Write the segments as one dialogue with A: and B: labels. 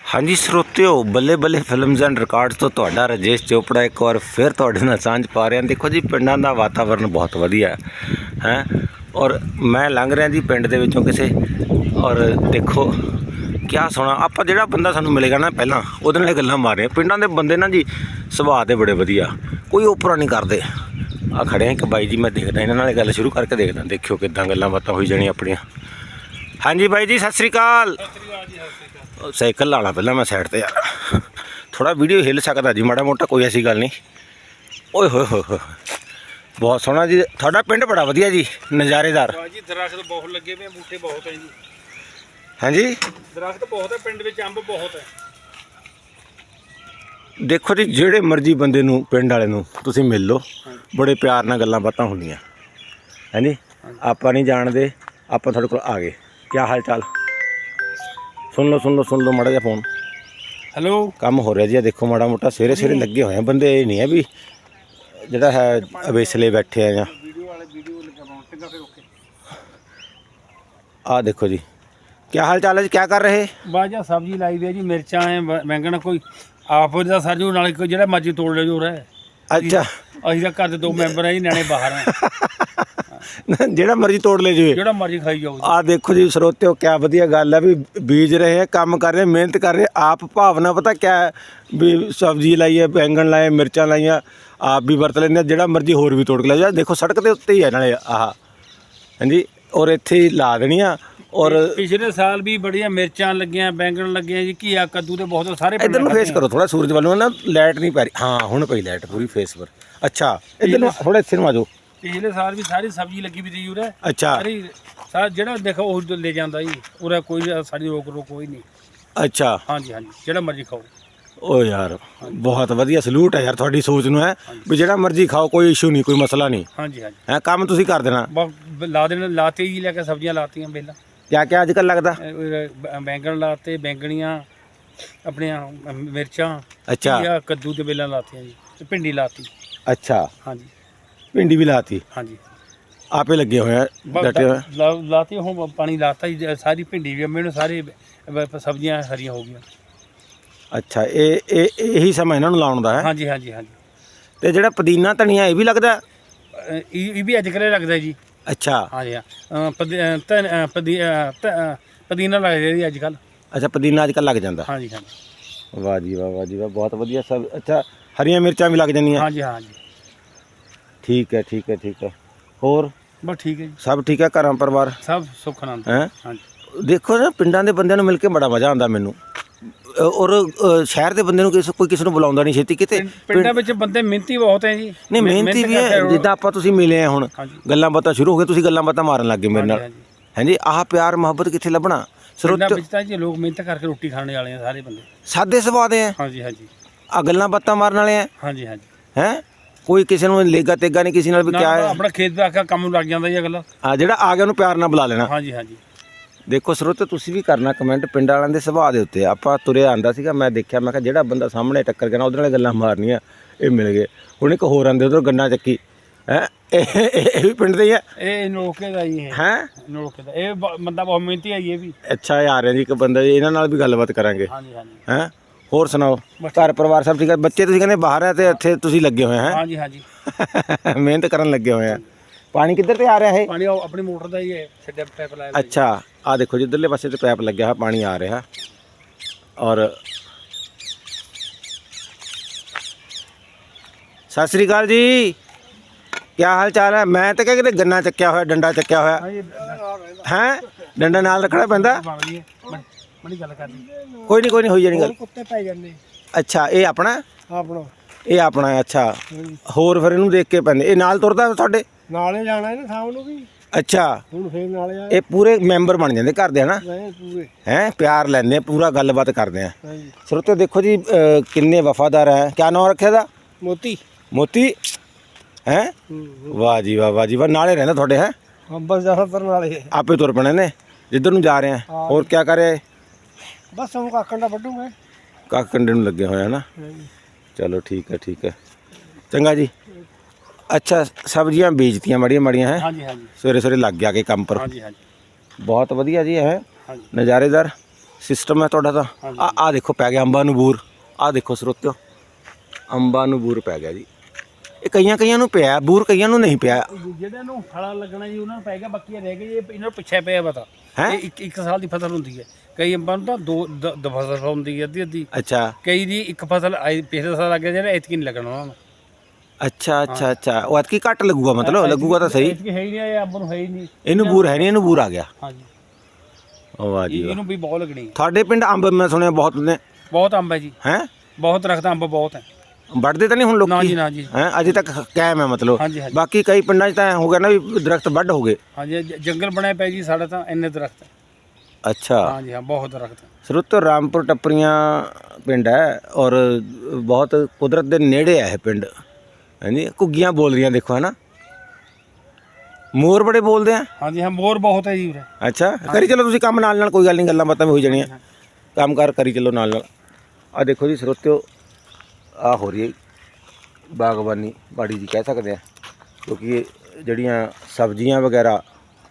A: हाँ जी ਸਰੋਤਿਓ ਬੱਲੇ ਬੱਲੇ ਫਿਲਮਸ ਐਂਡ ਰਿਕਾਰਡਸ ਤੋਂ ਤੁਹਾਡਾ ਰਾਜੇਸ਼ ਚੋਪੜਾ ਇੱਕ ਵਾਰ ਫਿਰ ਤੁਹਾਡੇ ਨਾਲ ਸਾਂਝ ਪਾ ਰਿਹਾ। ਦੇਖੋ ਜੀ ਪਿੰਡਾਂ ਦਾ ਵਾਤਾਵਰਨ ਬਹੁਤ ਵਧੀਆ ਹੈ ਔਰ ਮੈਂ ਲੰਘ ਰਿਹਾ ਜੀ ਪਿੰਡ ਦੇ ਵਿੱਚੋਂ ਕਿਸੇ ਔਰ ਦੇਖੋ ਕਿਆ ਸੋਹਣਾ ਆਪਾਂ ਜਿਹੜਾ ਬੰਦਾ ਸਾਨੂੰ ਮਿਲੇਗਾ ਨਾ ਪਹਿਲਾਂ ਉਹਦੇ ਨਾਲ ਗੱਲਾਂ ਮਾਰ ਰਹੇ ਪਿੰਡਾਂ ਦੇ ਬੰਦੇ ਨਾ ਜੀ ਸੁਭਾਅ ਦੇ ਬੜੇ ਵਧੀਆ ਕੋਈ ਓਪਰਾ ਨਹੀਂ ਕਰਦੇ। ਆ ਖੜੇ ਆ ਇੱਕ ਬਾਈ ਜੀ ਮੈਂ ਦੇਖਦਾ ਇਹਨਾਂ ਨਾਲ ਗੱਲ ਸ਼ੁਰੂ ਕਰਕੇ ਦੇਖਦਾ ਦੇਖਿਓ ਕਿੱਦਾਂ ਗੱਲਾਂ ਬਾਤਾਂ ਹੋਈ ਜਾਣੀਆਂ ਆਪਣੀਆਂ। ਹਾਂਜੀ ਬਾਈ ਜੀ ਸਤਿ ਸ਼੍ਰੀ ਅਕਾਲ। ਸਾਈਕਲ ਲਾ ਲਾ ਪਹਿਲਾਂ ਮੈਂ ਸਾਈਡ ਤੇ ਯਾਰ ਥੋੜਾ ਵੀਡੀਓ ਹਿੱਲ ਸਕਦਾ ਜੀ ਮਾੜਾ ਮੋਟਾ ਕੋਈ ਐਸੀ ਗੱਲ ਨਹੀਂ। ਓਏ ਹੋਏ ਹੋਏ ਹੋਏ ਬਹੁਤ ਸੋਹਣਾ ਜੀ ਤੁਹਾਡਾ ਪਿੰਡ ਬੜਾ ਵਧੀਆ ਜੀ ਨਜ਼ਾਰੇਦਾਰ
B: ਜੀ। ਦਰਖਤ ਬਹੁਤ ਲੱਗੇ ਵੇ ਬੂਟੇ ਬਹੁਤ ਹੈ ਜੀ।
A: ਹਾਂਜੀ
B: ਦਰਖਤ ਬਹੁਤ ਹੈ ਪਿੰਡ ਵਿੱਚ ਅੰਬ ਬਹੁਤ ਹੈ।
A: ਦੇਖੋ ਜੀ ਜਿਹੜੇ ਮਰਜ਼ੀ ਬੰਦੇ ਨੂੰ ਪਿੰਡ ਵਾਲੇ ਨੂੰ ਤੁਸੀਂ ਮਿਲ ਲਓ ਬੜੇ ਪਿਆਰ ਨਾਲ ਗੱਲਾਂ ਬਾਤਾਂ ਹੁੰਦੀਆਂ ਹਾਂਜੀ। ਆਪਾਂ ਨਹੀਂ ਜਾਣਦੇ ਆਪਾਂ ਤੁਹਾਡੇ ਕੋਲ ਆ ਗਏ ਕਿਆ ਹਾਲ ਚਾਲ ਸੁਣ ਲਓ ਮਾੜਾ ਜਿਹਾ ਫੋਨ
B: ਹੈਲੋ
A: ਕੰਮ ਹੋ ਰਿਹਾ ਜੀ। ਦੇਖੋ ਮਾੜਾ ਮੋਟਾ ਸਵੇਰੇ ਸਵੇਰੇ ਲੱਗੇ ਹੋਏ ਆ ਬੰਦੇ ਇਹ ਨਹੀਂ ਹੈ ਵੀ ਜਿਹੜਾ ਹੈ ਅਵੇਸਲੇ ਬੈਠੇ ਆ ਜਾਂ ਆ ਦੇਖੋ ਜੀ क्या हाल चाल है जी क्या कर रहे
B: ਬਾਜਾ ਸਬਜ਼ੀ ਲਾਈ ਵੀ ਹੈ ਜੀ ਮਿਰਚਾਂ ਹੈ ਬੈਂਗਣ ਕੋਈ ਆਪ ਦਾ ਸਰਜੂ ਨਾਲ ਕੋਈ ਜਿਹੜਾ ਮਰਜ਼ੀ ਤੋੜ ਲੈ ਜੋ ਰਹਿ।
A: अच्छा
B: ਅਸੀਂ ਤਾਂ ਘਰ ਦੇ 2 ਮੈਂਬਰ ਆ ਜੀ ਨਿਆਣੇ ਬਾਹਰ ਆ
A: ਜਿਹੜਾ ਮਰਜ਼ੀ ਤੋੜ ਲੈ ਜੀ
B: ਜਿਹੜਾ ਮਰਜ਼ੀ ਖਾਈ ਜਾਓ।
A: ਆ ਦੇਖੋ ਜੀ ਸਰੋਤਿਓ ਕਿਆ ਵਧੀਆ ਗੱਲ ਹੈ ਵੀ ਬੀਜ ਰਹੇ ਕੰਮ ਕਰ ਰਹੇ ਮਿਹਨਤ ਕਰ ਰਹੇ ਆਪ ਭਾਵਨਾ ਪਤਾ ਕਿਆ ਹੈ ਵੀ ਸਬਜ਼ੀ ਲਾਈ ਹੈ ਬੈਂਗਣ ਲਾਏ ਮਿਰਚਾਂ ਲਾਈਆਂ ਆਪ ਵੀ ਵਰਤ ਲੈਂਦੇ ਜਿਹੜਾ ਮਰਜ਼ੀ ਹੋਰ ਵੀ ਤੋੜ ਕੇ ਲੈ ਜਾ। ਦੇਖੋ ਸੜਕ ਦੇ ਉੱਤੇ ਹੀ ਹੈ ਨਾਲੇ ਆਹ ਹਾਂਜੀ ਔਰ ਇੱਥੇ ਹੀ ਲਾ ਦੇਣੀਆਂ। ਔਰ
B: ਪਿਛਲੇ ਸਾਲ ਵੀ ਬੜੀਆਂ ਮਿਰਚਾਂ ਲੱਗੀਆਂ ਬੈਂਗਣ ਲੱਗੀਆਂ ਜੀ ਘੀਆ ਕੱਦੂ ਦੇ ਬਹੁਤ ਸਾਰੇ
A: ਇੱਧਰ ਨੂੰ ਫੇਸ ਕਰੋ ਥੋੜਾ ਸੂਰਜ ਵੱਲ ਨੂੰ ਨਾ ਲਾਈਟ ਨਹੀਂ ਪੈ ਰਹੀ ਹਾਂ ਹੁਣ ਪਈ ਲਾਈਟ ਪੂਰੀ ਫੇਸ ਪਰ। ਅੱਛਾ ਇੱਧਰ ਨੂੰ ਥੋੜਾ ਇੱਥੇ ਨੂੰ ਆ ਜਾਓ।
B: ਪਿਛਲੇ ਸਾਲ ਵੀ ਸਾਰੀ ਸਬਜ਼ੀ ਲੱਗੀ ਵੀ ਸੀ ਉਰੇ
A: ਅੱਛਾ
B: ਸਾਰਾ ਜਿਹੜਾ ਦੇਖੋ ਉਹ ਲੈ ਜਾਂਦਾ ਜੀ ਉਰੇ ਕੋਈ ਸਾਡੀ ਰੋਕ ਕੋਈ ਨਹੀਂ।
A: ਅੱਛਾ
B: ਹਾਂਜੀ ਜਿਹੜਾ ਮਰਜ਼ੀ ਖਾਓ।
A: ਓ ਯਾਰ ਬਹੁਤ ਵਧੀਆ ਸਲੂਟ ਹੈ ਯਾਰ ਤੁਹਾਡੀ ਸੋਚ ਨੂੰ ਹੈ ਵੀ ਜਿਹੜਾ ਮਰਜ਼ੀ ਖਾਓ ਕੋਈ ਇਸ਼ੂ ਨਹੀਂ ਕੋਈ ਮਸਲਾ ਨਹੀਂ।
B: ਹਾਂਜੀ
A: ਹੈ ਕੰਮ ਤੁਸੀਂ ਕਰ ਦੇਣਾ
B: ਲਾ ਦੇਣਾ ਲਾਤੇ ਜੀ ਲੈ ਕੇ ਸਬਜ਼ੀਆਂ ਲਾਤੀਆਂ ਪਹਿਲਾਂ
A: ਕਿਆ ਕਿਆ ਅੱਜ ਕੱਲ੍ਹ ਲੱਗਦਾ
B: ਬੈਂਗਣ ਲਾਤੇ ਬੈਂਗਣੀਆਂ ਆਪਣੀਆਂ ਮਿਰਚਾਂ
A: ਅੱਛਾ
B: ਕੱਦੂ ਦੇ ਵੇਲਾਂ ਲਾਤੀਆਂ ਜੀ ਤੇ ਭਿੰਡੀ ਲਾਤੀ।
A: ਅੱਛਾ
B: ਹਾਂਜੀ
A: ਭਿੰਡੀ ਵੀ ਲਾਤੀ
B: ਹਾਂਜੀ
A: ਆਪੇ ਲੱਗੇ ਹੋਏ ਆ ਡਟੇ ਹੋਏ
B: ਲਾਤੀ ਹੁਣ ਪਾਣੀ ਲਾਤਾ ਜੀ ਸਾਰੀ ਭਿੰਡੀ ਵੀ ਮੈਨੂੰ ਸਾਰੇ ਸਬਜ਼ੀਆਂ ਹਰੀਆਂ ਹੋ ਗਈਆਂ। ਅੱਛਾ
A: ਇਹੀ ਸਮਾਂ ਇਹਨਾਂ ਨੂੰ ਲਾਉਣ ਦਾ ਹੈ।
B: ਹਾਂਜੀ
A: ਤੇ ਜਿਹੜਾ ਪੁਦੀਨਾ ਧਨੀਆ ਇਹ ਵੀ ਲੱਗਦਾ
B: ਇਹ ਵੀ ਅੱਜ ਕੱਲ੍ਹ ਲੱਗਦਾ ਜੀ।
A: ਅੱਛਾ
B: ਹਾਂਜੀ ਪੁਦੀਨਾ ਲੱਗਦਾ ਜੀ ਅੱਜ ਕੱਲ੍ਹ।
A: ਅੱਛਾ ਪੁਦੀਨਾ ਅੱਜ ਕੱਲ੍ਹ ਲੱਗ ਜਾਂਦਾ।
B: ਹਾਂਜੀ
A: ਵਾਹ ਜੀ ਵਾਹ ਬਹੁਤ ਵਧੀਆ ਸਭ। ਅੱਛਾ ਹਰੀਆਂ ਮਿਰਚਾਂ ਵੀ ਲੱਗ ਜਾਂਦੀਆਂ।
B: ਹਾਂਜੀ
A: ਠੀਕ ਹੈ ਹੋਰ
B: ਬਸ ਠੀਕ ਹੈ ਜੀ
A: ਸਭ ਠੀਕ ਹੈ ਘਰਾਂ ਪਰਿਵਾਰ ਸਭ
B: ਸੁੱਖ ਆਨੰਦ
A: ਹੈ। ਹਾਂਜੀ ਦੇਖੋ ਨਾ ਪਿੰਡਾਂ ਦੇ ਬੰਦਿਆਂ ਨੂੰ ਮਿਲ ਕੇ ਬੜਾ ਮਜ਼ਾ ਆਉਂਦਾ ਮੈਨੂੰ ਔਰ ਸ਼ਹਿਰ ਦੇ ਬੰਦੇ ਨੂੰ ਕੋਈ ਕਿਸੇ ਨੂੰ ਬੁਲਾਉਂਦਾ ਨਹੀਂ ਛੇਤੀ ਕਿਤੇ।
B: ਪਿੰਡਾਂ ਵਿੱਚ ਬੰਦੇ ਮਿਹਨਤੀ ਬਹੁਤ ਹੈ ਜੀ।
A: ਨਹੀਂ ਮਿਹਨਤੀ ਵੀ ਹੈ ਜਿੱਦਾਂ ਆਪਾਂ ਤੁਸੀਂ ਮਿਲੇ ਆ ਹੁਣ ਗੱਲਾਂ ਬਾਤਾਂ ਸ਼ੁਰੂ ਹੋ ਗਏ ਤੁਸੀਂ ਗੱਲਾਂ ਬਾਤਾਂ ਮਾਰਨ ਲੱਗ ਗਏ ਮੇਰੇ ਨਾਲ ਹਾਂਜੀ। ਆਹ ਪਿਆਰ ਮੁਹੱਬਤ ਕਿੱਥੇ ਲੱਭਣਾ
B: ਪਿੰਡਾਂ ਵਿੱਚ ਤਾਂ ਜੀ ਲੋਕ ਮਿਹਨਤ ਕਰਕੇ ਰੋਟੀ ਖਾਣ ਵਾਲੇ ਆ ਸਾਰੇ ਬੰਦੇ ਸਾਦੇ
A: ਸੁਭਾਅ ਦੇ ਆ।
B: ਹਾਂਜੀ
A: ਆ ਗੱਲਾਂ ਬਾਤਾਂ ਮਾਰਨ ਵਾਲੇ ਆ।
B: ਹਾਂਜੀ
A: ਹੈ ਕੋਈ ਕਿਸੇ ਨੂੰ ਲੇਗਾ ਤੇਗਾ ਨਹੀਂ ਕਿਸੇ ਨਾਲ ਵੀ ਕਿਆ ਹੈ
B: ਆਪਣਾ ਖੇਤ ਦਾ ਆਖਾ ਕੰਮ ਲੱਗ ਜਾਂਦਾ ਜੀ ਅਗਲਾ।
A: ਹਾਂ ਜਿਹੜਾ ਆ ਗਿਆ ਉਹਨੂੰ ਪਿਆਰ ਨਾਲ ਬੁਲਾ ਲੈਣਾ।
B: ਹਾਂਜੀ
A: ਦੇਖੋ ਸਰੋਤੇ ਤੁਸੀਂ ਵੀ ਕਰਨਾ ਕਮੈਂਟ ਪਿੰਡ ਵਾਲਿਆਂ ਦੇ ਸੁਭਾਅ ਦੇ ਉੱਤੇ। ਆਪਾਂ ਤੁਰਿਆ ਆਂਦਾ ਸੀਗਾ ਮੈਂ ਦੇਖਿਆ ਮੈਂ ਕਿਹਾ ਜਿਹੜਾ ਬੰਦਾ ਸਾਹਮਣੇ ਟੱਕਰ ਗਿਆ ਨਾ ਉਹਦੇ ਨਾਲ ਗੱਲਾਂ ਮਾਰਨੀਆਂ ਇਹ ਮਿਲ ਗਏ। ਹੁਣ ਇੱਕ ਹੋਰ ਆਂਦੇ ਉਧਰੋਂ ਗੰਨਾ ਚੱਕੀ ਹੈ ਇਹ ਵੀ ਪਿੰਡ ਦੇ ਹੀ ਆ।
B: ਇਹ ਨੋਕੇ ਦਾ ਜੀ
A: ਹੈ
B: ਨੋਕੇ ਦਾ ਇਹ ਬੰਦਾ ਬਹੁਤ ਮਿਹਨਤੀ ਹੈ ਇਹ ਵੀ।
A: ਅੱਛਾ ਇਹ ਆ ਰਿਹਾ ਜੀ ਇੱਕ ਬੰਦਾ ਜੀ ਇਹਨਾਂ ਨਾਲ ਵੀ ਗੱਲਬਾਤ ਕਰਾਂਗੇ। ਹੈ ਹੋਰ ਸੁਣਾਓ ਘਰ ਪਰਿਵਾਰ ਸਭ ਠੀਕ ਹੈ। ਬੱਚੇ ਤੁਸੀਂ ਕਹਿੰਦੇ ਬਾਹਰ ਹੈ ਤੇ ਇੱਥੇ ਤੁਸੀਂ ਲੱਗੇ ਹੋਏ ਹੈ।
B: ਹਾਂਜੀ
A: ਮਿਹਨਤ ਕਰਨ ਲੱਗੇ ਹੋਏ ਆ। ਪਾਣੀ ਕਿੱਧਰ ਤੇ ਆ ਰਿਹਾ ਹੈ
B: ਪਾਣੀ ਆਪਣੀ ਮੋਟਰ ਦਾ ਹੀ ਹੈ ਛੱਡਿਆ ਪਾਈਪ ਲਾਇਆ।
A: ਅੱਛਾ ਆ ਦੇਖੋ ਜਿੱਧਰਲੇ ਪਾਸੇ ਤੇ ਪਾਈਪ ਲੱਗਿਆ ਹੋਇਆ ਪਾਣੀ ਆ ਰਿਹਾ ਔਰ ਸਤਿ ਸ੍ਰੀ ਅਕਾਲ ਜੀ ਕਿਆ ਹਾਲ ਚਾਲ ਹੈ। ਮੈਂ ਤਾਂ ਕਿਤੇ ਗੰਨਾ ਚੱਕਿਆ ਹੋਇਆ ਡੰਡਾ ਚੱਕਿਆ ਹੋਇਆ ਹੈ ਡੰਡਾ ਨਾਲ ਰੱਖਣਾ ਪੈਂਦਾ। ਕੋਈ ਨਹੀਂ ਹੋਈ ਜਾਣੀ ਗੱਲ।
B: ਕੁੱਤੇ ਪੈ ਜਾਂਦੇ।
A: ਅੱਛਾ ਇਹ ਆਪਣਾ ਇਹ ਆਪਣਾ ਅੱਛਾ ਹੋਰ ਫਿਰ ਇਹਨੂੰ ਦੇਖ ਕੇ ਪੈਂਦੇ ਇਹ ਨਾਲ ਤੁਰਦਾ ਤੁਹਾਡੇ ਨਾਲੇ ਜਾਣਾ ਇਹਨੇ ਸ਼ਾਮ ਨੂੰ ਵੀ। ਅੱਛਾ ਹੁਣ ਫੇਰ ਨਾਲੇ ਇਹ ਪੂਰੇ ਮੈਂਬਰ ਬਣ ਜਾਂਦੇ ਘਰ ਦੇ ਹਨਾ ਪੂਰੇ ਹੈ ਪਿਆਰ ਲੈਂਦੇ ਆ ਪੂਰਾ ਗੱਲਬਾਤ ਕਰਦੇ ਆ। ਸਰੋਤੇ ਦੇਖੋ ਜੀ ਕਿੰਨੇ ਵਫਾਦਾਰ ਹੈ। ਕਿਆ ਨਾਮ ਰੱਖਿਆ ਦਾ ਮੋਤੀ ਹੈ। ਵਾਹ ਜੀ ਵਾਹ ਨਾਲੇ ਰਹਿੰਦਾ ਤੁਹਾਡੇ ਹੈ ਬਸ ਜ਼ਿਆਦਾਤਰ ਨਾਲੇ ਆਪੇ ਤੁਰ ਪਣੇ ਨੇ ਜਿੱਧਰ ਨੂੰ ਜਾ ਰਹੇ ਆ। ਹੋਰ ਕਿਆ ਕਰ ਰਿਹਾ ਬਸ ਉਹ ਕਾਕੰਡਾ ਵੱਢੂਗੇ ਕਾਕੰਡੇ ਨੂੰ ਲੱਗੇ ਹੋਏ ਹਨਾ। ਚਲੋ ਠੀਕ ਹੈ ਚੰਗਾ ਜੀ। ਅੱਛਾ ਸਬਜ਼ੀਆਂ ਬੀਜਤੀਆਂ ਮਾੜੀਆਂ ਹੈ। ਸਵੇਰੇ ਲੱਗ ਗਿਆ ਕੇ ਕੰਮ ਪਰ। ਬਹੁਤ ਵਧੀਆ ਜੀ ਹੈ ਨਜ਼ਾਰੇਦਾਰ ਸਿਸਟਮ ਹੈ ਤੁਹਾਡਾ ਤਾਂ। ਆ ਦੇਖੋ ਪੈ ਗਿਆ ਅੰਬਾਂ ਨੂੰ ਬੂਰ। ਆ ਦੇਖੋ ਸਰੋਤਿਓ, ਅੰਬਾਂ ਨੂੰ ਬੂਰ ਪੈ ਗਿਆ ਜੀ। ਇਹ ਕਈਆਂ ਨੂੰ ਪਿਆ ਬੂਰ, ਕਈਆਂ ਨੂੰ ਨਹੀਂ ਪਿਆ।
B: ਜਿਹੜੇ ਨੂੰ ਫਲਾ ਲੱਗਣਾ ਜੀ ਉਹਨਾਂ ਨੂੰ ਪੈ ਗਿਆ, ਬਾਕੀ ਰਹਿ ਗਏ ਇਹਨਾਂ ਨੂੰ ਪਿੱਛੇ ਪਿਆ ਪਤਾ।
A: ਹੈਂ?
B: ਇਹ ਇੱਕ ਸਾਲ ਦੀ ਫਸਲ ਹੁੰਦੀ ਹੈ, ਕਈ ਅੰਬਾਂ ਨੂੰ ਤਾਂ ਦੋ ਫਸਲ ਹੁੰਦੀ ਹੈ, ਅੱਧੀ।
A: ਅੱਛਾ
B: ਕਈ ਦੀ ਇੱਕ ਫਸਲ ਪਿਛਲੇ ਸਾਲ ਲੱਗ ਗਿਆ, ਜਿਹੜਾ ਐਤਕੀ ਨਹੀਂ ਲੱਗਣਾ ਉਹਨਾਂ ਨੂੰ।
A: ਅੱਛਾ ਉਹ ਐਤਕੀ ਘੱਟ ਲੱਗੂਗਾ, ਮਤਲਬ ਲੱਗੂਗਾ ਤਾਂ ਸਹੀ।
B: ਐਤਕੀ ਹੈ ਹੀ ਨਹੀਂ, ਇਹ ਅੰਬ ਨੂੰ ਹੈ ਹੀ ਨਹੀਂ।
A: ਇਹਨੂੰ ਬੂਰ ਹੈ ਨਹੀਂ, ਇਹਨੂੰ ਬੂਰ ਆ ਗਿਆ।
B: ਹਾਂਜੀ
A: ਵਾਹ ਜੀ ਵਾਹ।
B: ਇਹਨੂੰ ਵੀ ਬਹੁਤ ਲੱਗਣੀ।
A: ਤੁਹਾਡੇ ਪਿੰਡ ਅੰਬ ਮੈਂ ਸੁਣਿਆ ਬਹੁਤ ਨੇ।
B: ਬਹੁਤ ਅੰਬ ਹੈ ਜੀ,
A: ਹੈ
B: ਬਹੁਤ ਦਰਖਤ ਅੰਬ ਬਹੁਤ ਹੈ।
A: ਵੱਢਦੇ ਤਾਂ ਨਹੀਂ ਹੁਣ ਲੋਕੀ?
B: ਨਾ ਜੀ ਨਾ ਜੀ।
A: ਹੈ ਅਜੇ ਤੱਕ ਕਾਇਮ ਹੈ ਮਤਲਬ।
B: ਹਾਂਜੀ ਹਾਂਜੀ
A: ਬਾਕੀ ਕਈ ਪਿੰਡਾਂ 'ਚ ਤਾਂ ਹੋ ਗਿਆ ਨਾ ਵੀ ਦਰਖਤ ਵੱਢ ਹੋ ਗਏ।
B: ਹਾਂਜੀ, ਜੰਗਲ ਬਣਿਆ ਪਿਆ ਜੀ ਸਾਡਾ ਤਾਂ, ਇੰਨੇ ਦਰਖਤ।
A: ਅੱਛਾ
B: ਹਾਂਜੀ ਹਾਂ, ਬਹੁਤ ਦਰਖਤ।
A: ਸਰੋਤਿਓ ਰਾਮਪੁਰ ਟੱਪਰੀਆਂ ਪਿੰਡ ਹੈ ਔਰ ਬਹੁਤ ਕੁਦਰਤ ਦੇ ਨੇੜੇ ਹੈ ਇਹ ਪਿੰਡ। ਹਾਂਜੀ ਘੁੱਗੀਆਂ ਬੋਲ ਰਹੀਆਂ ਦੇਖੋ, ਹੈ ਨਾ। ਮੋਰ ਬੜੇ ਬੋਲਦੇ ਆ।
B: ਹਾਂਜੀ ਹਾਂ, ਮੋਰ ਬਹੁਤ ਹੈ ਜੀ ਉਰੇ।
A: ਅੱਛਾ ਕਰੀ ਚਲੋ ਤੁਸੀਂ ਕੰਮ ਨਾਲ ਕੋਈ ਗੱਲ ਨਹੀਂ, ਗੱਲਾਂ ਬਾਤਾਂ ਵੀ ਹੋਈ ਜਾਣੀਆਂ। ਕੰਮ ਕਾਰ ਕਰੀ ਚਲੋ ਨਾਲ। ਆ ਦੇਖੋ ਜੀ ਸਰੋਤਿਓ, ਆ ਹੋ ਰਹੀ ਹੈ ਬਾਗਬਾਨੀ ਬਾੜੀ ਜੀ ਕਹਿ ਸਕਦੇ ਆ, ਕਿਉਂਕਿ ਇਹ ਜਿਹੜੀਆਂ ਸਬਜ਼ੀਆਂ ਵਗੈਰਾ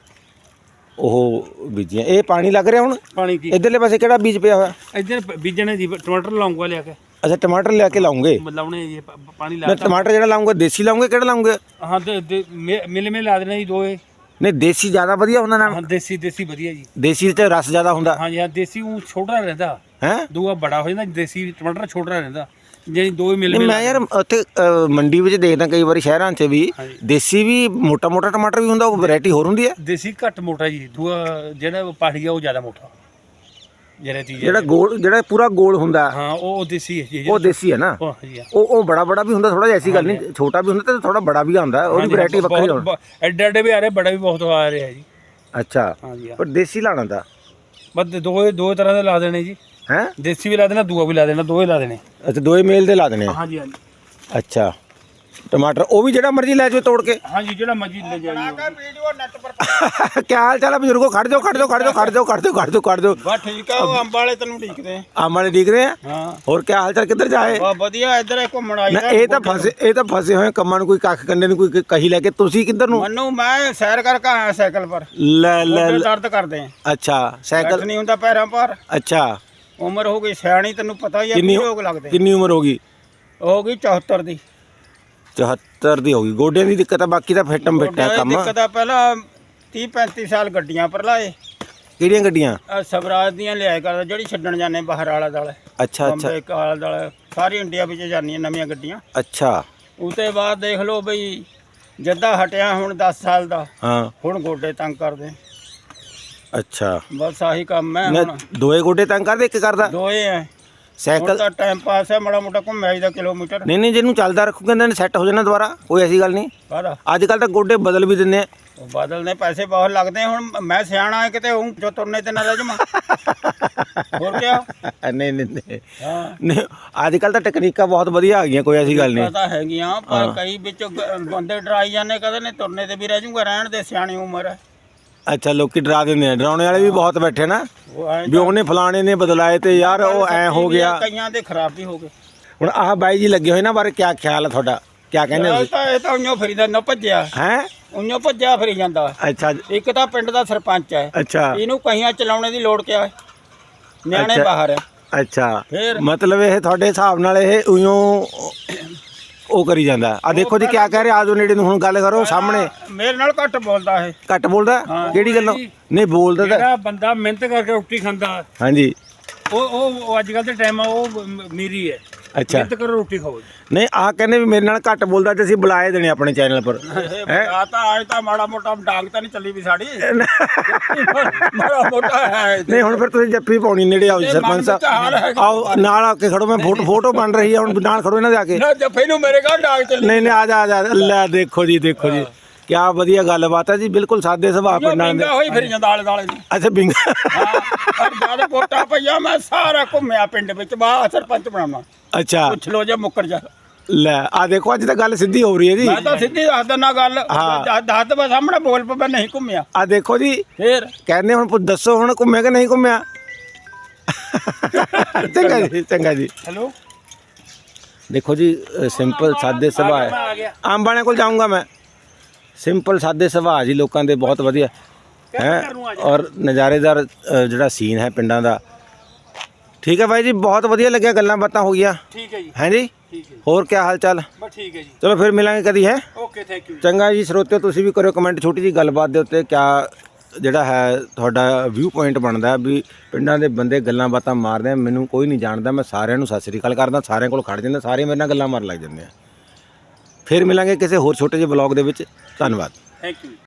A: ਉਹ ਬੀਜੀਆਂ। ਇਹ ਪਾਣੀ ਲੱਗ ਰਿਹਾ ਹੁਣ
B: ਪਾਣੀ ਕੀ
A: ਇਧਰਲੇ ਪਾਸੇ ਕਿਹੜਾ ਬੀਜ ਪਿਆ ਹੋਇਆ?
B: ਇੱਧਰ ਬੀਜਣੇ ਜੀ, ਟਮਾਟਰ ਲਾਉਂਗਾ ਲਿਆ ਕੇ।
A: ਅੱਛਾ ਟਮਾਟਰ ਲਿਆ ਕੇ ਲਾਉਂਗੇ?
B: ਲਾਉਣੇ ਜੀ, ਪਾਣੀ ਲਾ।
A: ਮੈਂ ਟਮਾਟਰ ਜਿਹੜਾ ਲਾਉਂਗਾ ਦੇਸੀ ਲਾਉਂਗੇ, ਕਿਹੜਾ ਲਾਉਂਗੇ?
B: ਹਾਂ ਮਿਲ ਲਾ ਦੇਣਾ ਜੀ ਦੋਏ।
A: ਨਹੀਂ ਦੇਸੀ ਜ਼ਿਆਦਾ ਵਧੀਆ ਹੁੰਦਾ ਨਾ?
B: ਹਾਂ ਦੇਸੀ ਵਧੀਆ ਜੀ।
A: ਦੇਸੀ 'ਚ ਰਸ ਜ਼ਿਆਦਾ ਹੁੰਦਾ।
B: ਹਾਂਜੀ ਹਾਂ, ਦੇਸੀ ਉਹ ਛੋਟਾ ਰਹਿੰਦਾ
A: ਹੈ,
B: ਦੂਆ ਬੜਾ ਹੋ ਜਾਂਦਾ। ਦੇਸੀ ਟਮਾਟਰ ਛੋਟਾ ਰਹਿੰਦਾ, ਜਿਹੜੀ ਦੋਏ ਮਿਲ
A: ਮੈਂ ਯਾਰ ਉੱਥੇ ਮੰਡੀ ਵਿੱਚ ਦੇਖਦਾ ਕਈ ਵਾਰੀ ਸ਼ਹਿਰਾਂ 'ਚ ਵੀ ਦੇਸੀ ਵੀ ਮੋਟਾ ਟਮਾਟਰ ਵੀ ਹੁੰਦਾ, ਉਹ ਵੈਰਾਈਟੀ ਹੋਰ ਹੁੰਦੀ ਹੈ।
B: ਦੇਸੀ ਘੱਟ ਮੋਟਾ ਜੀ, ਦੂਆ ਜਿਹੜਾ ਪਹਾੜੀ ਆ ਉਹ ਜ਼ਿਆਦਾ ਮੋਟਾ।
A: ਜਿਹੜਾ ਗੋਲ, ਜਿਹੜਾ ਪੂਰਾ ਗੋਲ ਹੁੰਦਾ,
B: ਹਾਂ ਉਹ ਦੇਸੀ ਹੈ ਜੀ।
A: ਉਹ ਦੇਸੀ ਹੈ ਨਾ। ਉਹ ਬੜਾ ਵੀ ਹੁੰਦਾ ਥੋੜਾ ਜਿਹਾ, ਐਸੀ ਗੱਲ ਨਹੀਂ। ਛੋਟਾ ਵੀ ਹੁੰਦਾ ਤੇ ਥੋੜਾ ਬੜਾ ਵੀ ਆਉਂਦਾ, ਉਹਦੀ ਵੈਰਾਈਟੀ ਵੱਖਰੀ ਹੋਣੀ।
B: ਐਡੇ ਵੀ ਆ ਰਹੇ, ਬੜਾ ਵੀ ਬਹੁਤ ਆ ਰਿਹਾ ਜੀ।
A: ਅੱਛਾ
B: ਹਾਂਜੀ
A: ਪਰ ਦੇਸੀ ਲਾਣਾ ਦਾ
B: ਬਸ ਦੋ ਤਰ੍ਹਾਂ ਦੇ ਲਾ ਦੇਣੇ ਜੀ।
A: ਹੈ
B: ਦੇਸੀ ਵੀ ਲਾ ਦੇਣਾ, ਦੂਆ ਵੀ ਲਾ ਦੇਣਾ, ਦੋਏ ਲਾ ਦੇਣੇ।
A: ਅੱਛਾ ਦੋਏ ਮੇਲ ਦੇ ਲਾ ਦੇਣੇ।
B: ਹਾਂਜੀ ਹਾਂਜੀ।
A: ਅੱਛਾ ਟਮਾਟਰ ਉਹ ਵੀ ਜਿਹੜਾ ਮਰਜ਼ੀ ਲੈ ਜਾਓ ਤੋੜ ਕੇ?
B: ਹਾਂਜੀ ਜਿਹੜਾ ਮਰਜ਼ੀ ਲੈ ਜਾਈਓ।
A: ਕੀ ਹਾਲ ਚਾਲ ਹੈ ਬਜ਼ੁਰਗੋ? ਖੜ ਜਾਓ
B: ਬਸ ਠੀਕ ਆ, ਉਹ ਅੰਬ ਵਾਲੇ ਤੈਨੂੰ ਢੀਕਦੇ ਆ।
A: ਅੰਬ ਵਾਲੇ ਢੀਕ ਰਹੇ ਆ?
B: ਹਾਂ।
A: ਹੋਰ ਕੀ ਹਾਲ ਚਾਲ, ਕਿੱਧਰ ਜਾਏ?
B: ਵਧੀਆ, ਇੱਧਰ ਘੁੰਮਣ ਆਈ।
A: ਇਹ ਤਾਂ ਫਸੇ ਹੋਏ ਕੰਮਾਂ ਨੂੰ, ਕੋਈ ਕੱਖ ਕੰਡੇ ਨੂੰ ਕੋਈ ਕਹੀ ਲੈ ਕੇ। ਤੁਸੀਂ ਕਿੱਧਰ ਨੂੰ?
B: ਮੈਨੂੰ ਮੈਂ ਸੈਰ ਕਰਕੇ ਆਇਆ ਸਾਈਕਲ ਪਰ।
A: ਲੈ
B: ਦਰਦ ਕਰਦੇ ਆ।
A: ਅੱਛਾ ਸਾਈਕਲ
B: ਨਹੀਂ ਹੁੰਦਾ ਪੈਰਾਂ ਪਰ।
A: ਅੱਛਾ
B: ਉਮਰ ਹੋ ਗਈ ਸਿਆਣੀ, ਤੈਨੂੰ ਪਤਾ ਹੀ ਆ।
A: ਕਿੰਨੀ
B: ਰੋਗ ਲੱਗਦੇ।
A: ਕਿੰਨੀ ਉਮਰ ਹੋ ਗਈ?
B: ਹੋ ਗਈ 74 ਦੀ।
A: 74 ਦੀ ਹੋ ਗਈ। ਗੋਡਿਆਂ ਦੀ ਦਿੱਕਤ ਆ, ਬਾਕੀ ਤਾਂ ਫਿੱਟਮ ਫਿੱਟ ਹੈ ਕੰਮ।
B: ਦਿੱਕਤ ਆ, ਪਹਿਲਾਂ 30-35 ਸਾਲ ਗੱਡੀਆਂ ਪਰ ਲਾਏ।
A: ਕਿਹੜੀਆਂ ਗੱਡੀਆਂ?
B: ਸਵਰਾਜ ਦੀਆਂ ਲਿਆਇਆ ਕਰਦਾ, ਜਿਹੜੀ ਛੱਡਣ ਜਾਂਦੇ ਬਾਹਰ ਆਲਾ ਦਾਲੇ।
A: ਅੱਛਾ
B: ਬੰਬੇ ਆਲਾ ਦਾਲੇ ਸਾਰੀ ਇੰਡੀਆ ਵਿੱਚ ਜਾਂਦੀਆਂ ਨਵੀਆਂ ਗੱਡੀਆਂ।
A: ਅੱਛਾ
B: ਉਤੇ ਬਾਅਦ ਦੇਖ ਲਓ ਬਈ, ਜੱਦਾ ਹਟਿਆ ਹੁਣ 10 ਸਾਲ ਦਾ।
A: ਹਾਂ
B: ਹੁਣ ਗੋਡੇ ਤੰਗ ਕਰਦੇ।
A: ਅੱਛਾ
B: ਬਸ ਆਹੀ ਕੰਮ ਹੈ ਹੁਣ।
A: ਦੋਏ ਗੋਡੇ ਤੰਗ ਕਰਦੇ, ਇੱਕ ਕਰਦਾ?
B: ਦੋਏ ਐ।
A: ਸਾਈਕਲ
B: ਦਾ ਟਾਈਮ ਪਾਸ ਹੈ, ਮਾੜਾ ਮੋਟਾ ਘੁੰਮਿਆ ਜਾਂਦਾ ਕਿਲੋਮੀਟਰ।
A: ਨਹੀਂ ਜਿਹਨੂੰ ਚੱਲਦਾ ਰੱਖੂ ਕਹਿੰਦੇ ਨੇ ਸੈੱਟ ਹੋ ਜਾਣਾ ਦੁਬਾਰਾ, ਕੋਈ ਐਸੀ ਗੱਲ ਨਹੀਂ।
B: ਕਾਹਦਾ?
A: ਅੱਜ ਕੱਲ ਤਾਂ ਗੋਡੇ ਬਦਲ ਵੀ ਦਿੰਦੇ ਆ।
B: ਉਹ ਬਦਲਨੇ ਪੈਸੇ ਬਹੁਤ ਲੱਗਦੇ। ਹੁਣ ਮੈਂ ਸਿਆਣਾ ਹੈ ਕਿਤੇ, ਹੂੰ ਜੋ ਤੁਰਨੇ ਤੇ ਨਾ ਰਹਿ ਜਾਵਾਂ। ਹੋਰ ਕਿਆ?
A: ਨਹੀਂ
B: ਹਾਂ
A: ਨਹੀਂ, ਅੱਜ ਕੱਲ ਤਾਂ ਟੈਕਨੀਕਾਂ ਬਹੁਤ ਵਧੀਆ ਆ ਗਈਆਂ, ਕੋਈ ਐਸੀ ਗੱਲ ਨਹੀਂ।
B: ਪਤਾ ਹੈਗੀਆਂ, ਪਰ ਕਈ ਵਿੱਚ ਬੰਦੇ ਡਰਾਈ ਜਾਂਦੇ, ਕਹਿੰਦੇ ਨੇ ਤੁਰਨੇ ਤੇ ਵੀ ਰਹਿ ਜਾਊਗਾ। ਰਹਿਣ ਦੇ, ਸਿਆਣੀ ਉਮਰ ਹੈ।
A: ਅੱਛਾ ਲੋਕੀ ਡਰਾ ਦਿੰਦੇ ਆ, ਡਰਾਉਣੇ ਵਾਲੇ ਵੀ ਬਹੁਤ ਬੈਠੇ ਨਾ,
B: ਉਹ ਐਂ
A: ਵੀ ਉਹਨੇ ਫਲਾਣੇ ਨੇ ਬਦਲਾਏ ਤੇ ਯਾਰ ਉਹ ਐ ਹੋ ਗਿਆ।
B: ਕਈਆਂ ਦੇ ਖਰਾਬ ਵੀ ਹੋ ਗਏ।
A: ਹੁਣ ਆਹ ਬਾਈ ਜੀ ਲੱਗੇ ਹੋਏ ਨਾ, ਬਾਰੇ ਕਿਆ ਖਿਆਲ ਹੈ ਤੁਹਾਡਾ? ਕਿਆ ਕਹਿੰਦੇ ਤੁਸੀਂ?
B: ਇਹ ਤਾਂ ਉਈਓ ਫਰੀਦਾ ਨਾ ਭੱਜਿਆ
A: ਹੈ,
B: ਉਈਓ ਭੱਜਿਆ ਫਰੀ ਜਾਂਦਾ।
A: ਅੱਛਾ
B: ਇੱਕ ਤਾਂ ਪਿੰਡ ਦਾ ਸਰਪੰਚ ਹੈ।
A: ਅੱਛਾ
B: ਇਹਨੂੰ ਕਹੀਆਂ ਚਲਾਉਣੇ ਦੀ ਲੋੜ ਕਿਆ ਹੈ? ਨਿਆਣੇ ਬਾਹਰ ਹੈ।
A: ਅੱਛਾ
B: ਫਿਰ
A: ਮਤਲਬ ਇਹ ਤੁਹਾਡੇ ਹਿਸਾਬ ਨਾਲ ਇਹ ਉਈਓ ਉਹ ਕਰੀ ਜਾਂਦਾ। ਆ ਦੇਖੋ ਜੀ ਕਿਆ ਕਹਿ ਰਿਹਾ, ਆਜੋ ਨੇੜੇ ਨੂੰ ਹੁਣ ਗੱਲ ਕਰੋ ਸਾਹਮਣੇ।
B: ਮੇਰੇ ਨਾਲ ਘੱਟ ਬੋਲਦਾ ਇਹ।
A: ਘੱਟ ਬੋਲਦਾ? ਕਿਹੜੀ ਗੱਲੋਂ? ਨਹੀਂ ਬੋਲਦਾ ਤਾਂ।
B: ਜਿਹੜਾ ਬੰਦਾ ਮਿਹਨਤ ਕਰਕੇ ਰੋਟੀ ਖਾਂਦਾ,
A: ਹਾਂਜੀ,
B: ਉਹ ਅੱਜ ਕੱਲ ਦੇ ਟਾਈਮ ਆ, ਉਹ ਮੇਰੀ ਹੈ।
A: ਅੱਛਾ
B: ਮਿਹਨਤ ਕਰੋ, ਰੋਟੀ ਖਾਓ।
A: ਨਹੀਂ ਆਹ ਕਹਿੰਦੇ ਵੀ ਮੇਰੇ ਨਾਲ ਘੱਟ ਬੋਲਦਾ ਤੇ ਅਸੀਂ ਬੁਲਾਏ ਦੇਣੇ ਆਪਣੇ ਚੈਨਲ ਪਰ।
B: ਆ ਤਾਂ ਅੱਜ ਤਾਂ ਮਾੜਾ ਮੋਟਾ ਡਾਂਗ ਤਾਂ ਨਹੀਂ ਚੱਲੀ ਵੀ ਸਾਡੀ। ਮਾੜਾ ਮੋਟਾ ਹੈ।
A: ਨਹੀਂ ਹੁਣ ਫਿਰ ਤੁਸੀਂ ਜੱਫੀ ਪਾਉਣੀ, ਨੇੜੇ ਆਓ ਸਰਪੰਚ ਸਾਹਿਬ, ਆਓ ਨਾਲ ਆ ਕੇ ਖੜੋ। ਮੈਂ ਫੋਟੋ ਬਣ ਰਹੀ ਹੈ, ਹੁਣ ਨਾਲ ਖੜੋ ਇਹਨਾਂ ਦੇ ਆ ਕੇ।
B: ਨਾ ਜੱਫੇ ਨੂੰ ਮੇਰੇ ਘਰ ਡਾਂਗ ਚੱਲੀ।
A: ਨਹੀਂ ਆ ਜਾ ਲੈ ਦੇਖੋ ਜੀ ਕਿਆ ਵਧੀਆ ਗੱਲਬਾਤ ਹੈ ਜੀ। ਬਿਲਕੁਲ ਸਾਦੇ ਸੁਭਾਅ ਪਿੰਡਾਂ ਦੇ।
B: ਹੋਈ ਫਿਰ ਜਾਂਦਾ ਆਲੇ ਦਾਲੇ ਨੂੰ।
A: ਅੱਛਾ ਬਿੰਗਾ।
B: ਹਾਂ ਜਦ ਵੋਟਾਂ ਪਈਆਂ ਮੈਂ ਸਾਰਾ ਘੁੰਮਿਆ ਪਿੰਡ ਵਿੱਚ, ਬਾਹਰ ਸਰਪੰਚ ਬਣਾਉਣਾ।
A: ਅੱਛਾ
B: ਪੁੱਛ ਲੋ ਜੇ ਮੁੱਕਰ ਜਾ।
A: ਲੈ ਆ ਦੇਖੋ ਅੱਜ ਤਾਂ ਗੱਲ ਸਿੱਧੀ ਹੋ ਰਹੀ ਹੈ ਜੀ।
B: ਮੈਂ ਤਾਂ ਸਿੱਧੀ ਦੱਸ ਦਿੰਦਾ ਗੱਲ। ਦੱਸ ਦੇ ਸਾਹਮਣੇ ਬੋਲ ਪਾ, ਮੈਂ ਨਹੀਂ ਘੁੰਮਿਆ।
A: ਆ ਦੇਖੋ ਜੀ
B: ਫੇਰ
A: ਕਹਿੰਦੇ ਹੁਣ ਦੱਸੋ ਹੁਣ ਘੁੰਮਿਆ ਕਿ ਨਹੀਂ ਘੁੰਮਿਆ? ਚੰਗਾ ਜੀ
B: ਹੈਲੋ।
A: ਦੇਖੋ ਜੀ ਸਿੰਪਲ ਸਾਦੇ ਸੁਭਾਅ ਹੈ। ਅੰਬ ਵਾਲਿਆਂ ਕੋਲ ਜਾਊਂਗਾ ਮੈਂ। ਸਿੰਪਲ ਸਾਦੇ ਸੁਭਾਅ ਜੀ ਲੋਕਾਂ ਦੇ, ਬਹੁਤ ਵਧੀਆ ਹੈ। ਔਰ ਨਜ਼ਾਰੇਦਾਰ ਜਿਹੜਾ ਸੀਨ ਹੈ ਪਿੰਡਾਂ ਦਾ, ਠੀਕ ਹੈ ਬਾਈ ਜੀ, ਬਹੁਤ ਵਧੀਆ ਲੱਗਿਆ, ਗੱਲਾਂ ਬਾਤਾਂ ਹੋ ਗਈਆਂ
B: ਠੀਕ ਹੈ ਜੀ,
A: ਹੈ ਜੀ।
B: ਠੀਕ ਹੈ ਜੀ,
A: ਹੋਰ ਕੀ ਹਾਲ ਚਾਲ?
B: ਬਸ ਠੀਕ ਹੈ ਜੀ,
A: ਚਲੋ ਫਿਰ ਮਿਲਾਂਗੇ ਕਦੀ, ਹੈ।
B: Okay, thank you.
A: ਚੰਗਾ ਜੀ ਸਰੋਤਿਓ, ਤੁਸੀਂ ਵੀ ਕਰਿਓ ਕਮੈਂਟ ਛੋਟੀ ਜੀ ਗੱਲਬਾਤ ਦੇ ਉੱਤੇ, ਕਿਆ ਜਿਹੜਾ ਹੈ ਤੁਹਾਡਾ ਵਿਊ ਪੁਆਇੰਟ ਬਣਦਾ ਵੀ ਪਿੰਡਾਂ ਦੇ ਬੰਦੇ ਗੱਲਾਂ ਬਾਤਾਂ ਮਾਰਦੇ ਆ। ਮੈਨੂੰ ਕੋਈ ਨਹੀਂ ਜਾਣਦਾ, ਮੈਂ ਸਾਰਿਆਂ ਨੂੰ ਸਤਿ ਸ੍ਰੀ ਅਕਾਲ ਕਰਦਾ, ਸਾਰਿਆਂ ਕੋਲ ਖੜ ਜਾਂਦਾ, ਸਾਰੇ ਮੇਰੇ ਨਾਲ ਗੱਲਾਂ ਮਾਰਨ ਲੱਗ ਜਾਂਦੇ ਆ। ਫਿਰ ਮਿਲਾਂਗੇ ਕਿਸੇ ਹੋਰ ਛੋਟੇ ਜਿਹੇ ਬਲੌਗ ਦੇ ਵਿੱਚ। ਧੰਨਵਾਦ।
B: Thank you.